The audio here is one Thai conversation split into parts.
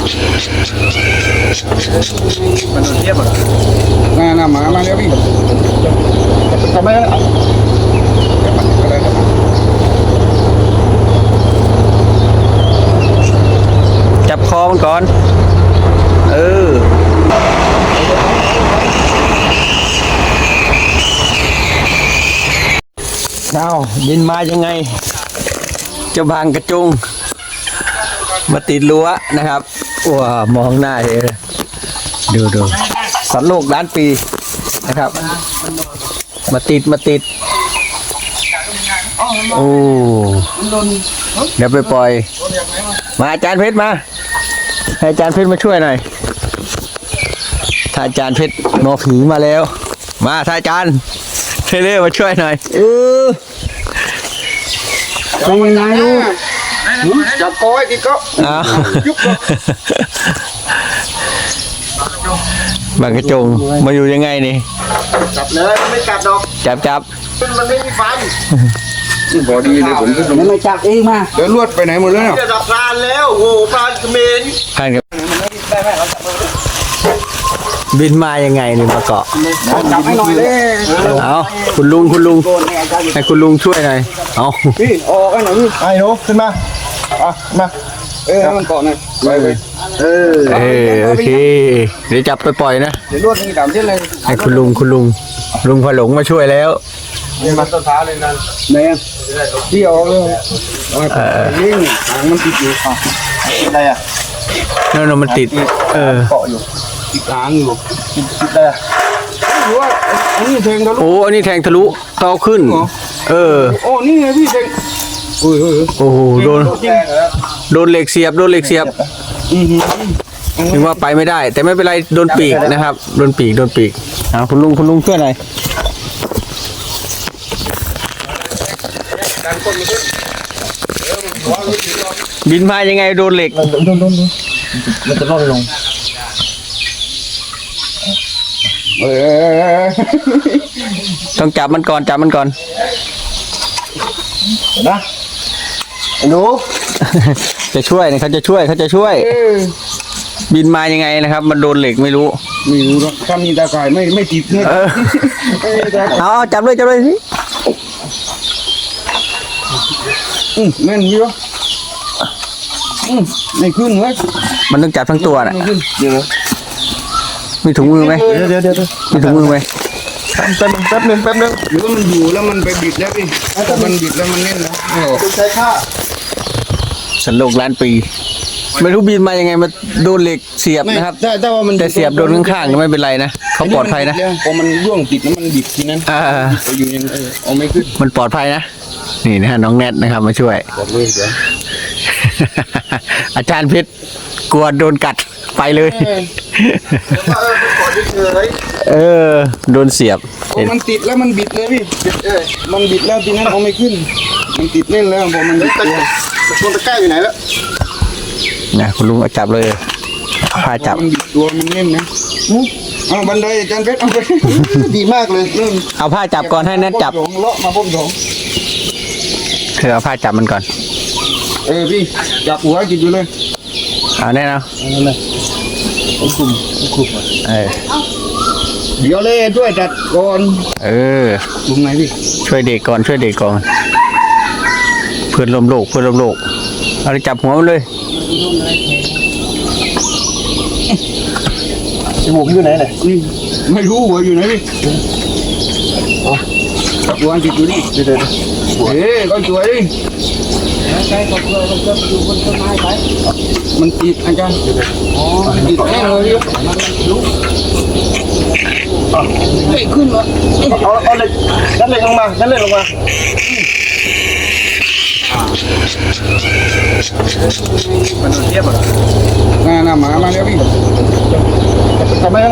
มันโดนเทียบอ่ะน่าหมาแล้วพี่ทำไมจับคอมันก่อนเอาบินมายังไงเจ้าบางกระจุงมาติดรั้วนะครับว้ามองหน้าเลยดูสัตว์โลกล้านปีนะครับมาติดโอ้เดี๋ยวไปปล่อยมาอาจารย์เพชรมาให้อาจารย์เพชรมาช่วยหน่อยถ้าอาจารย์เพชรหมอผีมาแล้วมาถ้าอาจารย์เทเลอร์มาช่วยหน่อยเป็นยังไงลูกจับก้อยกี่ก็ยุบก็บางกระจงมาอยู่ยังไงนี่จับเลยไม่กัดดอกจับมันไม่มีฟันบอดีเลยผมก็ไม่จับเองมาเดี๋ยวลวดไปไหนหมดแล้วเนี่ยจับปลาแล้วโอ้ปลาเขมรผ่านกับบินมายังไงนี่มาเกาะจับให้หน่อยเลยเอาคุณลุงให้คุณลุงช่วยหน่อยเอาพี่ออกให้หน่อยพี่ไอ้หนูขึ้นมามามันเกาะหน่อยไปโอเคเดี๋ยวจับไปปล่อยนะเดี๋ยวลวดนี่ดำเช่นเลยให้คุณลุงพอหลงมาช่วยแล้วมันต้นท้าเลยนั่นไหนพี่ออกเลยนี่หางมันติดอยู่อะไรอ่ะนั่นมันติดเกาะอยู่ติดหางอยู่ติดอะไรหรือว่าอันนี้แทงทะลุอันนี้แทงทะลุเตาขึ้นโอ้นี่ไงพี่แทงโอ้โหโดนเหล็กเสียบถึงว่าไปไม่ได้แต่ไม่เป็นไรโดนปีกนะครับโดนปีกคุณลุงช่วยหน่อยบินมายังไงโดนเหล็กมันจะล่นลงต้องจับมันก่อนนะหนูจะช่วยเขาจะช่วยบินมายังไงนะครับมันโดนเหล็กไม่รู้หรอกถ้ามีตาข่ายไม่ติดเนี่ยเอาจับเลยสิแม่นมีวะไม่ขึ้นเว้ยมันต้องจับทั้งตัวน่ะเดี๋ยวมีถุงมือไหมเดี๋ยวมีถุงมือไหมแป๊บนึงหรือว่ามันอยู่แล้วมันไปบิดแล้วพี่ถ้ามันบิดแล้วมันเล่นแล้วใช้ค่าสันโลกล้านปีไม่รู้บินมายังไงมาโดนเหล็กเสียบนะครับแต่ว่ามันแต่เสียบโดนข้างๆไม่เป็นไรนะเขาปลอดภัยนะพอมันร่วงติดแล้วมันบิดทีนั้นอยู่ยังเอาไม่ขึ้นมันปลอดภัยนะนี่นะฮะน้องแนทนะครับมาช่วยอาจารย์เพชรกลัวโดนกัดไปเลยโดนเสียบมันติดแล้วมันบิดเลยพี่มันบิดแล้วทีนั้นเอาไม่ขึ้นมันติดเล่นแล้วพอมันบิดตัวตะแกรงอยู่ไหนแล้วนะคุณลุงจับเลยพาจับมันบิดตัวมันเล่นนะเอาบันไดอาจารย์เพชรเอาไปดีมากเลยเอาผ้าจับก่อนให้แนทจับเลาะมาพ่มถงเอาผ้าจับมันก่อนพี่จับหัวจิตอยู่เลยเอาแน่นะคุมเดี๋ยวเลยช่วยจัดก่อนลุงไหนพี่ช่วยเด็กก่อนเพื่อนลมโลกเอาไปจับหัวมันเลยจมูกอยู่ไหนเนี่ยไม่รู้หัวอยู่ไหนพี่จับหัวจิตอยู่นี่ก็สวยดิใช่ก็อยู่บนต้นไม้ไปมันติดอาจารย์ติดแน่เลยไม่ขึ้นวะเอาเลยนั่นเลยลงมามันโดนเทียบอ่ะน่าหมาแล้วพี่ทำไม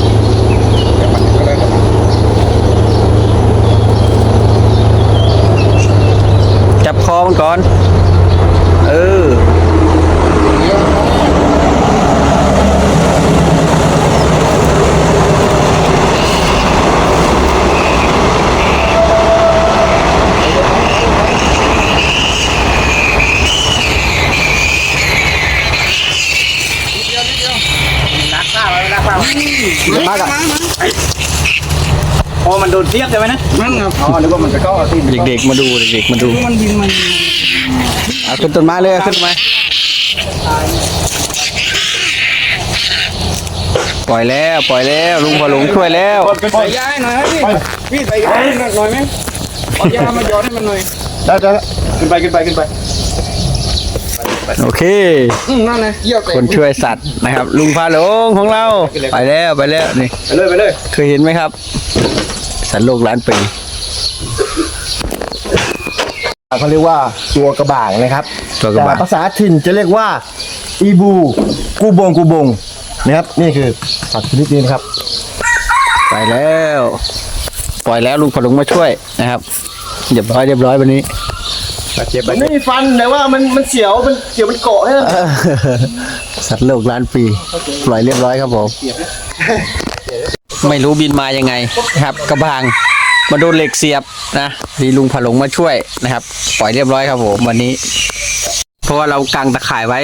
จับคอมันก่อนมากอะพอมันโดนเทียบใช่ไหมนะนั่นครับอ๋อนึกว่ามันจะเข้าที่เด็กๆมาดูเด็กๆมาดูมันบินมันเอาขึ้นต้นไม้เลยเอาขึ้นต้นไม้ปล่อยแล้วลุงพอหลงช่วยแล้วใส่ยาให้หน่อยพี่ใส่ยาให้หน่อยไหมเอายามาหยอดให้มันหน่อยได้ขึ้นไปโอเคนั่นไงเยี่ยวคนช่วยสัตว์นะครับ ลุงพาหลงของเราไปแล้วนี่ไปเลยเคยเห็นไหมครับ สัตว์โลกล้านปีเขาเรียกว่าตัวกระบางนะครับตัวกระบะแต่ภาษาถิ่นจะเรียกว่าอีบูกูบงนะครับนี่คือสัตว์ชนิดนี้นะครับไปแล้วปล่อยแล้วลุงพอหลงมาช่วยนะครับเรียบร้อยวันนี้มันไม่มีฟันแต่ว่ามันเสียวมันเกาะให้สัตว์โลกล้านปีปล่อยเรียบร้อยครับผมไม่รู้บินมายังไงนะครับ กระบางมาโดนเหล็กเสียบนะดีลุงผาหลงมาช่วยนะครับ ปล่อยเรียบร้อยครับผมวันนี้ เพราะว่าเรากางตะข่ายไว้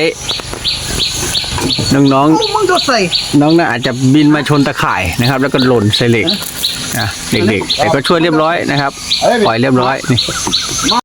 น้องๆมึงก็ใส่น้องน่าอาจจะบินมาชนตะข่ายนะครับ แล้วก็หล่นใส่เหล็กนะเด็กๆแต่ก็ช่วยเรียบร้อยนะครับ ปล่อยเรียบร้อยนี่